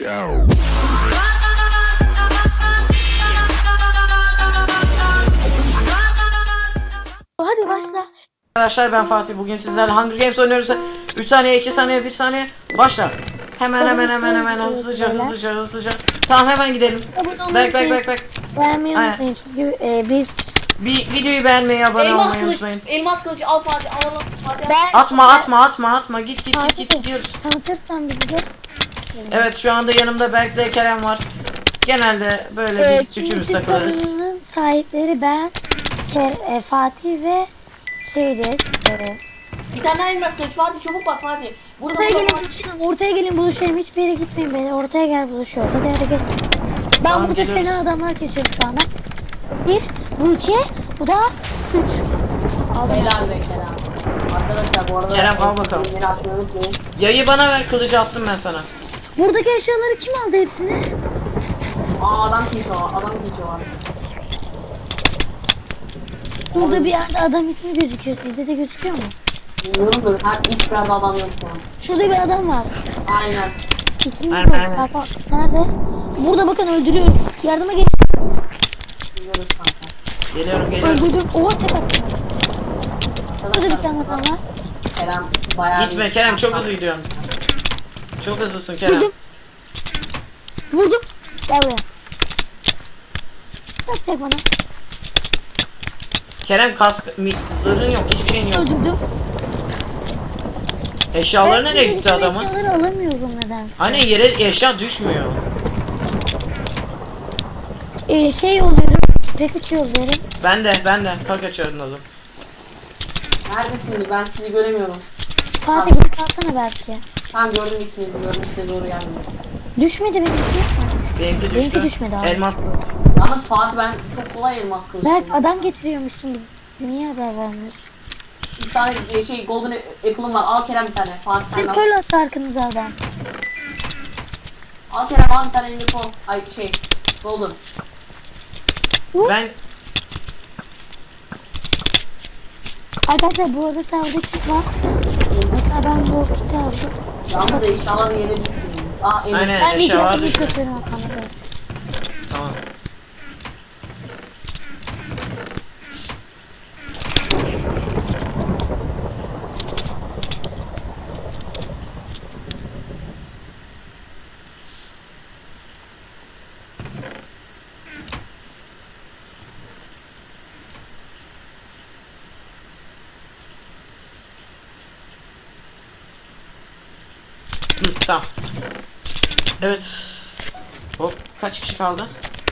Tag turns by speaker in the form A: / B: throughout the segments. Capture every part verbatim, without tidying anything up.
A: Hadi başla.
B: Arkadaşlar ben Fatih, bugün sizlerle Hunger Games oynuyoruz. üç saniye, iki saniye, bir saniye, başla. Hemen hemen hemen hemen hızlıca hızlıca hızlıca. Tamam, hemen gidelim. Bek bek bek bek.
A: Beğenmeyi unutmayın çünkü e, biz
B: Bir videoyu beğenmeyi, abone
C: Elmas
B: olmayı
C: kılıç,
B: unutmayın.
C: elmas kılıç al Fatih, alalım Fatih.
A: ben
B: Atma atma atma atma, git git git git
A: Fatih,
B: gidiyoruz.
A: tanıtırsan bizi de.
B: Evet, şu anda yanımda Berk ve Kerem var. Genelde böyle
A: Ee,
B: biz üçümüz
A: Çimdisiz
B: takılırız.
A: kanalının sahipleri ben, Ker, e, Fatih ve şeydir. E,
C: Bir tane daha elmas kılıç Fatih, çabuk bak Fatih. Burada
A: ortaya
C: burada
A: gelin
C: Fatih.
A: buluşalım. Ortaya gelin buluşalım. Hiçbir yere gitmeyin beni. Ortaya gel buluşuyoruz. Hadi hadi gel. Ben
B: Tamam,
A: burada
B: geliyoruz.
A: fena adamlar kesiyorum şu anda. Bir, bu iki, bu da üç. Aldım.
C: Helal be Kerem. Arkadaşlar bu arada
B: Kerem, al bakalım.
C: Beni atmayı unutmayın.
B: Yayı bana ver, kılıcı attım ben sana.
A: Buradaki eşyaları kim aldı hepsini?
C: Aa adam kesiyor, adam kesiyor var.
A: Burada bir yerde adam ismi gözüküyor. Sizde de gözüküyor mu?
C: Bilmiyorumdur, her hiç biraz adam yok şu an.
A: Şurada bir adam var.
C: Aynen.
A: İsmi
B: Aynen,
A: yok.
B: aynen.
A: Bak bak. Nerede? Burada bakın öldürüyorum. Yardıma gelin.
C: Biliyoruz kanka.
B: Geliyorum geliyorum.
A: Öldürdüm. Oha tek attım. Burada da bir tane adam var.
C: Kerem bayağı
B: Gitme
C: bir-
B: Kerem, çok hızlı gidiyorsun. Çok hızlısın Kerem.
A: Vurdum. Vurdum. Gel buraya. Ne yapacak bana?
B: Kerem, kask, mi, zırhın yok, hiçbir şeyin yok.
A: Öldürdüm.
B: Eşyaları
A: Ben
B: nereye
A: sizin
B: gitti
A: için
B: adamın?
A: eşyaları alamıyorum nedense.
B: Hani yere eşya düşmüyor.
A: Ee, şey yolluyorum. Package yolluyorum.
B: Ben de ben de tak açıyordum oğlum.
C: Neredesiniz? Ben sizi göremiyorum.
A: Fatih gidip alsana belki.
C: Tamam gördüm isminizi, gördüm, size doğru geldim.
A: Düşmedi benimki.
B: Benimki düştü.
A: Benimki düşmedi abi.
B: Elmas.
C: Yalnız Fatih ben çok kolay elmas kılıç.
A: Berk
C: buldum.
A: adam getiriyormuşsun biz. Niye haber vermiyorsun?
C: Bir tane e, şey golden apple'ım var. Al Kerem bir tane. Fatih sen
A: Siz
C: al.
A: köl attı arkanıza adam.
C: Al Kerem al bir tane ender pearl. Ay şey golden.
B: Ben
A: Arkadaşlar bu arada serverda kit var. Mesela ben bu kiti aldım.
C: Yalnız eşyalar yere düştü. Aa ender.
B: aynen
A: Ben bir
B: eşya var
A: dakika bir
B: düştü.
A: katıyorum arkadaşlar.
B: Tamam. Hı, tamam. Evet. Hop, kaç kişi kaldı?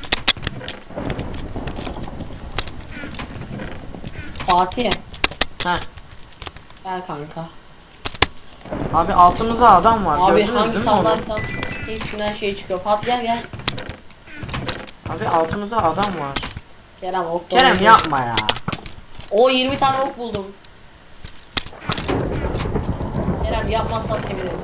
C: Fatih.
B: Ha.
C: Gel kanka.
B: Abi altımızda adam var.
C: Abi
B: Gördünüz
C: hangi
B: değil mi onu?
C: sallarsan hepsinden şey çıkıyor. Fatih gel gel.
B: Abi altımızda adam var.
C: Kerem ok.
B: Kerem yapma ya.
C: O yirmi tane ok buldum. Kerem yapmazsan sevinirim.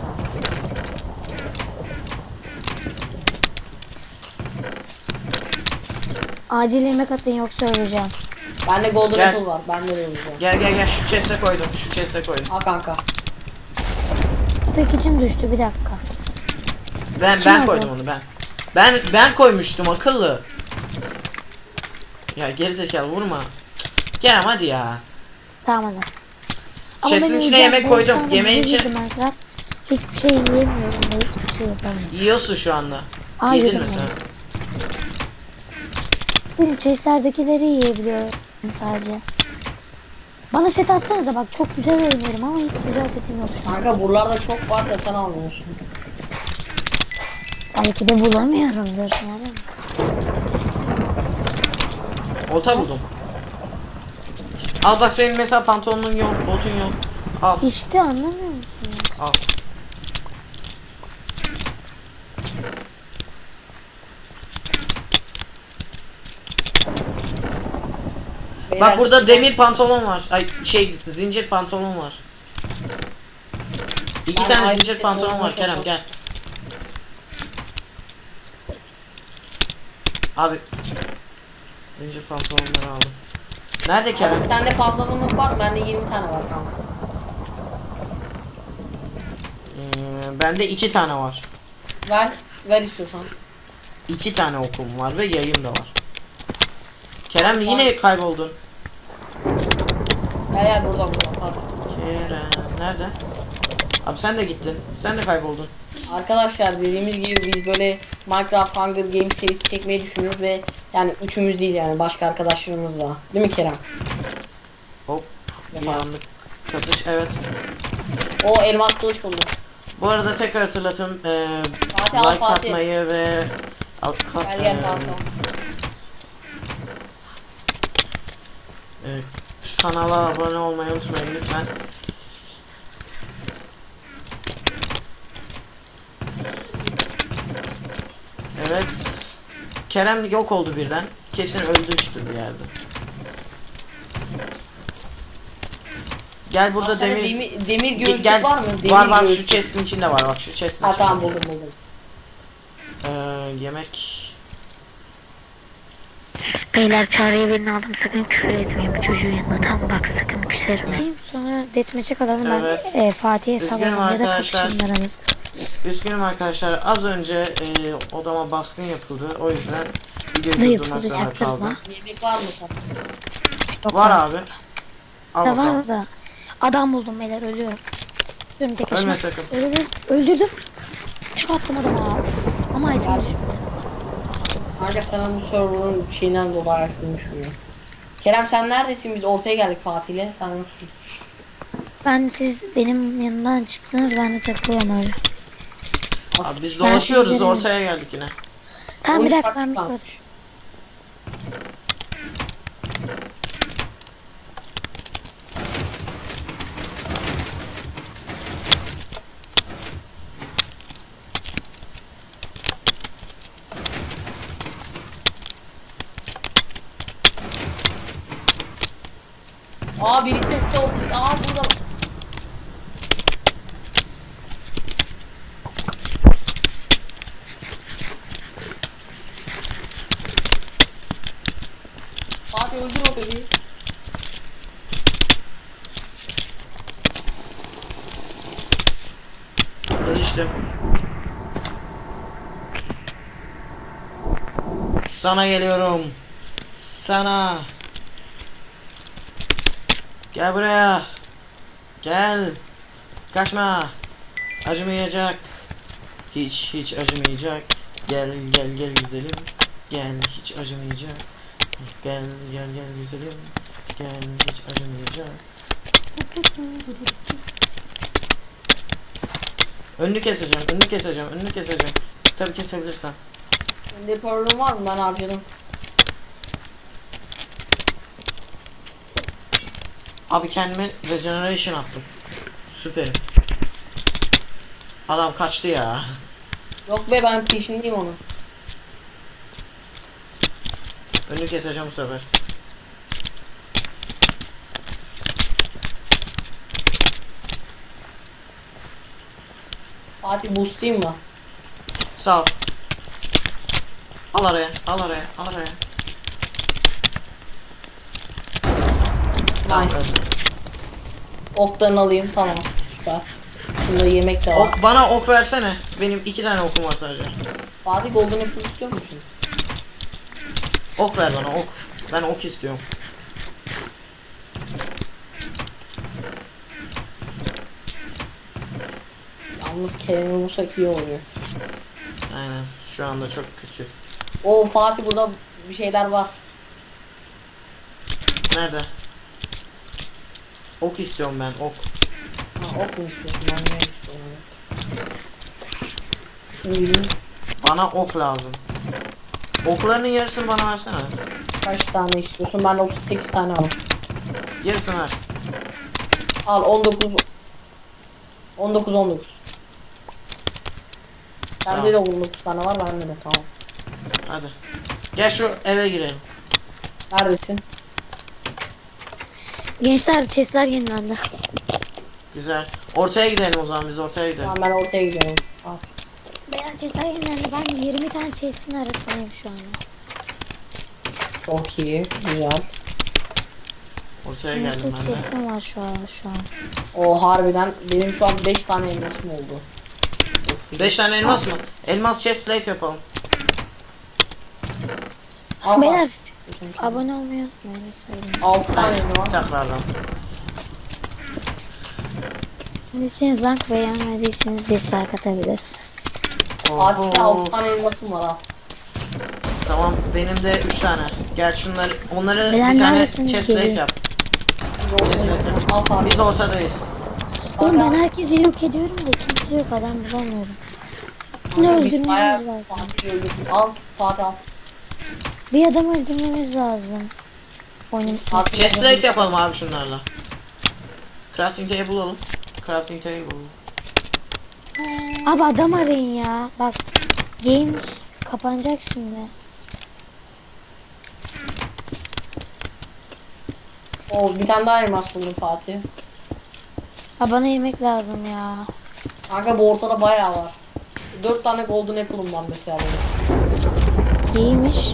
A: Acil yemek atın yoksa öleceğim.
C: Bende golden
B: Gel.
C: apple var. Ben de vereceğim.
B: Gel gel gel, şu chest'e koydum. Şu chest'e koydum.
C: Al kanka.
A: Package'im düştü bir dakika.
B: Ben
A: Kim
B: ben
A: aldı?
B: koydum onu ben. Ben ben koymuştum akıllı. Ya gerizekalı vurma. Kerem hadi ya.
A: Tamam hadi.
B: Chest'in
A: ben
B: içine
A: yiyeceğim.
B: yemek
A: Ben
B: koydum.
A: şu anda
B: Yemeğin
A: bir
B: içine-
A: yedim Minecraft. Hiçbir şey yiyemiyorum ve hiçbir şey yapamıyorum.
B: Yiyorsun şu anda.
A: Aa,
B: Yedin
A: yedim
B: mi
A: ben.
B: sen?
A: Benim chest'lerdekileri yiyebiliyorum sadece. Bana set atsanıza bak çok güzel oynuyorum ama hiç güzel setim yok şu an.
C: Kanka buralarda çok var da sen almıyorsun.
A: Belki de bulamıyorumdur. Nerede?
B: Olta buldum. Al bak, senin mesela pantolonun yok, botun yok. Al
A: İşte anlamıyor musun?
B: al.
C: Beyler,
B: Bak burada
C: siz-
B: demir pantolon var. Ay şey, zincir pantolon var. İki
C: Ben
B: tane
C: aynı
B: zincir
C: şey
B: pantolon
C: olmaz
B: var Kerem,
C: olmaz.
B: gel. Abi zincir pantolonları aldım. Nerede Kerem?
C: Hadi sende fazlalığımız var mı? Bende yirmi tane var kanka.
B: Ee, bende iki tane var.
C: Ver. ver istiyorsan.
B: İki tane okum var ve yayım da var. Kerem yine kayboldun.
C: Gel gel burada burada hadi.
B: Kerem nerede? Abi sen de gittin. Sen de kayboldun.
C: Arkadaşlar dediğimiz gibi biz böyle Minecraft Hunger Games serisi çekmeyi düşünüyoruz ve yani üçümüz değil yani başka arkadaşlarımız da. Değil mi Kerem?
B: Hop. Bir
C: Vefat.
B: anlık katış. Evet.
C: O elmas kılıç buldu.
B: Bu arada tekrar hatırlatın. eee
C: Fatih al
B: like
C: Fatih.
B: atmayı ve al- ka-
C: Gel gel
B: eee,
C: Fatih.
B: eee, kanala abone olmayı unutmayın lütfen. Evet. Kerem yok oldu birden. Kesin öldürmüştür bir yerde. Gel burada
C: Aa, sende
B: demir
C: demir, demir
B: Ge-
C: göğüslük
B: gel.
C: var mı? Demir
B: var var şu
C: göğüslük.
B: chest'in içinde var bak şu chest'in
C: Ha
B: içinde.
C: tamam buldum buldum.
B: Ee, yemek.
D: Beyler çağrıya birini aldım, sakın küfür etmeyin bu çocuğun yanında, tamam bak sakın küserim.
A: Diyeyim, sonra deathmatch'e kalalım.
B: Evet.
A: Ben e, Fatih'e
B: Üzgünüm
A: salalım ya da
B: arkadaşlar.
A: kapışın aramız.
B: Üzgünüm arkadaşlar az önce e, odama baskın yapıldı o yüzden videoyu
A: Ne
B: durdurmak
A: yapıldı
B: zorunda
A: çaktırma?
B: kaldım.
C: Yemek var mı sen?
A: Yok
B: Var
A: da-
B: abi. Al
A: Da
B: bakalım.
A: var da. Adam buldum beyler, ölüyorum. Ölüyorum tek başıma.
B: Ölme sakın.
A: Öldürdüm. Öldürdüm. Tek attım adama. Uf. Ama item düşmedi.
C: Kanka sana bu server'ın şeyinden dolayı ayrılmış mı? Kerem sen neredesin? Biz ortaya geldik Fatih'le. Sen yoksun.
A: Ben siz benim yanımdan çıktınız, ben de takılıyorum öyle.
B: Abi biz
A: Ben
B: dolaşıyoruz
A: sizlerin-
B: ortaya geldik yine.
A: Tamam bir
C: on üç
A: dakika, ben bir
C: dakika
A: kız.
C: Aa birisi top. Aa burada. Fatih öldür o bebeği.
B: Geçtim. Sana geliyorum. Sana. Gel buraya. Gel. Kaçma. Acımayacak. Hiç hiç acımayacak. Gel gel gel güzelim. Gel hiç acımayacak. Gel gel gel güzelim. Gel hiç acımayacak. Önünü keseceğim, önünü keseceğim, önünü keseceğim. Tabii kesebilirsen.
C: Sende problem var mı? Ben harcadım.
B: Abi kendime regeneration attım. Süperim. Adam kaçtı ya.
C: Yok be ben peşindeyim onun.
B: Önünü keseceğim bu sefer.
C: Fatih boostlayayım mı?
B: Sağ ol. Al araya, al araya, al araya. Tamam,
C: Nice.
B: öldü.
C: Oklarını alayım tamam. Süper. Bunda yemek de var.
B: Ok, bana ok versene. Benim iki tane okum var sadece.
C: Fatih golden apple istiyor musun?
B: Ok ver bana ok. Ben ok istiyorum.
C: Yalnız Kerem'i bulsak iyi oluyor.
B: Aynen. Şu anda çok kötü.
C: Oo Fatih burada bir şeyler var.
B: Nerede? Ok istiyorum ben ok.
C: Ha ok mu istiyorsun? Ben ne istiyorum? Evet.
B: Bana ok lazım. Oklarının yarısını bana versene.
C: Kaç tane istiyorsun? Ben otuz sekiz tane aldım.
B: Yarısını ver.
C: Al on dokuz on dokuz on dokuz. Sende
B: Tamam.
C: de on dokuz tane var bende de tamam.
B: Hadi. Gel şu eve girelim.
C: Neredesin?
A: Gençler, chestler yenilendi.
B: Güzel. Ortaya gidelim o zaman biz ortaya gidelim.
C: Tamam ben ortaya gidiyorum. Al.
A: Beyler, chestler yenilendi. Ben yirmi tane chestin arasındayım şu anda.
C: Çok iyi. Güzel.
B: Ortaya geldim
A: Sınırsız
B: ben de.
A: chestim var şu an şu an.
C: O harbiden benim şu an beş tane elmasım oldu. Of.
B: beş tane elmas mı? Elmas chest plate yapalım.
C: Al
A: Beyler
C: bak.
A: abone olmayı unutmayın. ne söyleyeyim.
C: altı tane elma var.
B: Tekrardan.
A: Siz like beğenmediyseniz dislike atabilirsiniz.
C: Fatih'te
B: Oho.
C: altı tane elmasım var ha.
B: Tamam benim de üç tane. Gel şunları onları
A: Beyler
B: bir tane
A: neredesiniz?
B: chest plate
A: Gelin.
B: yap.
C: Biz ortadayız. Al Fatih.
B: Biz ortadayız.
A: Oğlum ben herkesi yok ediyorum da kimse yok, adam bulamıyorum. Bunu
C: Kanka, biz
A: öldürmemiz
C: bayağı
A: lazım.
C: Fatih'i öldürdük. Al Fatih al.
A: Bir adam öldürmemiz lazım. Oyunun
C: Abi,
A: bitmesi
B: Chest
A: lazım.
B: plate yapalım abi şunlarla. Crafting table bulalım. Crafting table bulalım.
A: Abi adam arayın ya. Bak game kapanacak şimdi.
C: Oo bir tane daha elmas buldum Fatih.
A: Ha bana yemek lazım ya.
C: Kanka bu ortada bayağı var. dört tane golden apple'ım var mesela benim.
A: İyiymiş.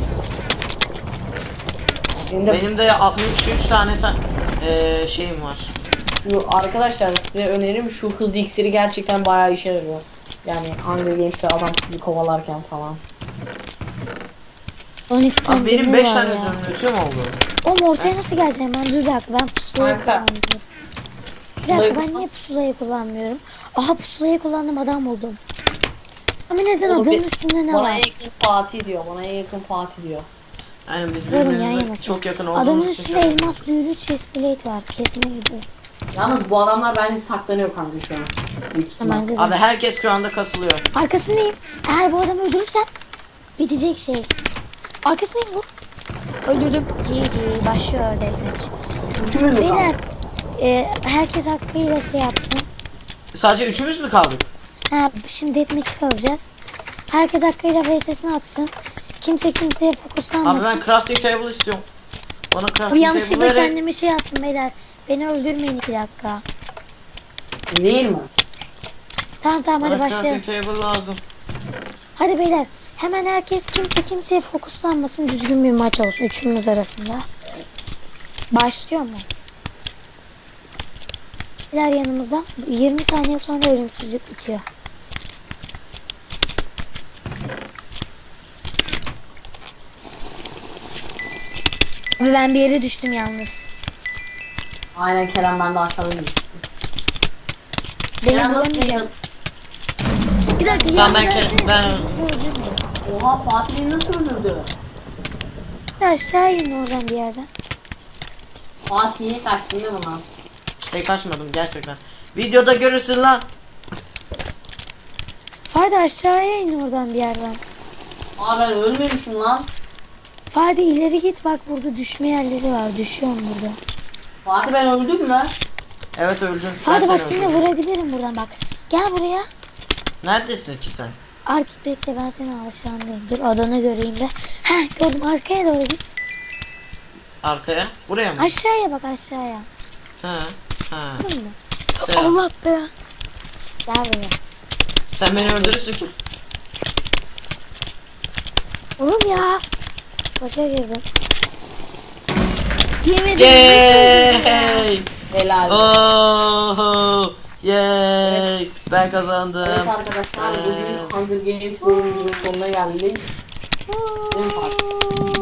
C: Benim de
B: Benim de altmış üç tane ta eee şeyim var.
C: şu arkadaşlar size önerim şu hız iksiri gerçekten bayağı işe yarıyor. Yani Hunger Games'te adam sizi kovalarken falan.
A: on iki tane
B: Abi benim
A: demir
B: beş
A: var
B: tane
A: ya.
B: zümrütüm oldu.
A: Oğlum ortaya nasıl geleceğim ben? Dur bir dakika, ben pusulayı
C: Kanka.
A: kullanmıyorum. Bir dakika, ben niye pusulayı kullanmıyorum? Aha pusulayı kullandım, adam buldum. Ama neden
C: Oğlum,
A: adamın
C: bir-
A: üstünde ne
C: Bana
A: var?
C: en yakın Fatih diyor. Bana en yakın Fatih diyor.
B: Yani biz
A: Oğlum yan
B: birbirimize
A: yanasınız.
B: çok yakın
A: Adamın
B: olduğumuz için.
A: üstünde elmas büyülü chest plate var. Kesme gidiyor.
C: Yalnız bu adamlar bence saklanıyor kanka şu an. Büyük ihtimal.
A: Bence de.
B: Abi herkes şu anda kasılıyor.
A: Arkasındayım. Eğer bu adamı öldürürsen bitecek şey. Arkasındayım, vur. Öldürdüm. G G başlıyor deathmatch.
C: Üçümüz mü
A: Beyler
C: kaldı?
A: e, herkes hakkıyla şey yapsın.
B: Sadece üçümüz mü kaldık?
A: Ha şimdi deathmatch kalacağız. Herkes hakkıyla V S'sini atsın. Kimse kimseye
B: Abi
A: fokuslanmasın.
B: ben crafting table istiyorum. Bana
A: Bu
B: crafting
A: yanlışlıkla
B: table verin.
A: kendime şey attım beyler. Beni öldürmeyin iki dakika.
C: Değil mi?
A: Tamam tamam hadi
B: Bana
A: başlayalım.
B: crafting table lazım.
A: Hadi beyler. Hemen herkes kimse kimseye fokuslanmasın. Düzgün bir maç olsun üçümüz arasında. Başlıyor mu? Beyler yanımızda. yirmi saniye sonra ölümsüzlük bitiyor. Ve ben bir yere düştüm yalnız.
C: Aynen Kerem ben de aşağıda düştüm.
A: Beni
C: Kerem nasıl
A: bulamayacaksın. Bir dakika
B: Tamam, ben
A: yanımda
B: ke- ben-
A: bizi öldürmeyin.
C: Oha Fatih beni nasıl öldürdü?
A: Aşağı in oradan bir yerden.
C: Fatih'e kaçtın değil mi lan?
B: Şey kaçmadım gerçekten. Videoda görürsün lan.
A: Fadi aşağıya in oradan bir yerden.
C: Aa ben ölmemişim lan.
A: Fadi ileri git, bak burada düşme yerleri var. Düşüyorum burada.
C: Fatih ben öldüm mü?
B: Evet öldün. Ben
A: Fadi bak
B: seni
A: seni
B: öldürdüm.
A: vurabilirim buradan bak. Gel buraya.
B: Neredesin ki sen?
A: Ark bekle, ben seni aşağındayım. Dur adını göreyim de. Heh gördüm, arkaya doğru git.
B: Arkaya. Buraya mı?
A: Aşağıya bak, aşağıya.
B: Ha. Ha.
A: Gördün mü?
B: Selam.
A: Allah be. Gel buraya.
B: Sen beni öldürürsün ki.
A: Oğlum ya. Baka girdim. Yemedim.
B: Yay!
C: Helal.
B: Oh! Yay! Ben kazandım.
C: Evet arkadaşlar bugün Hunger Games oyunumuzun sonuna geldik. Değil mi Fatih?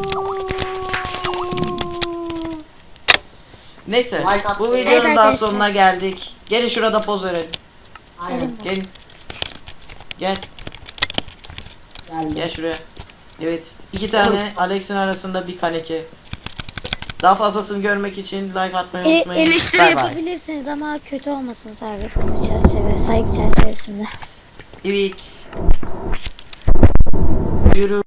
B: Neyse,
C: Like at-
B: bu
C: Evet
B: videonun daha
A: arkadaşlar.
B: sonuna geldik. Gelin şurada poz verelim.
C: Aynen
B: Gelin. Gel,
C: geldi.
B: gel şuraya. Evet, iki tane Alex'in arasında bir kaneki. Daha fazlasını görmek için like atmayı
A: E,
B: unutmayın.
A: eleştiri
B: Bye bye.
A: yapabilirsiniz ama kötü olmasın, saygısız bir çerçeve, saygı çerçevesinde.
B: Evet. Yürü.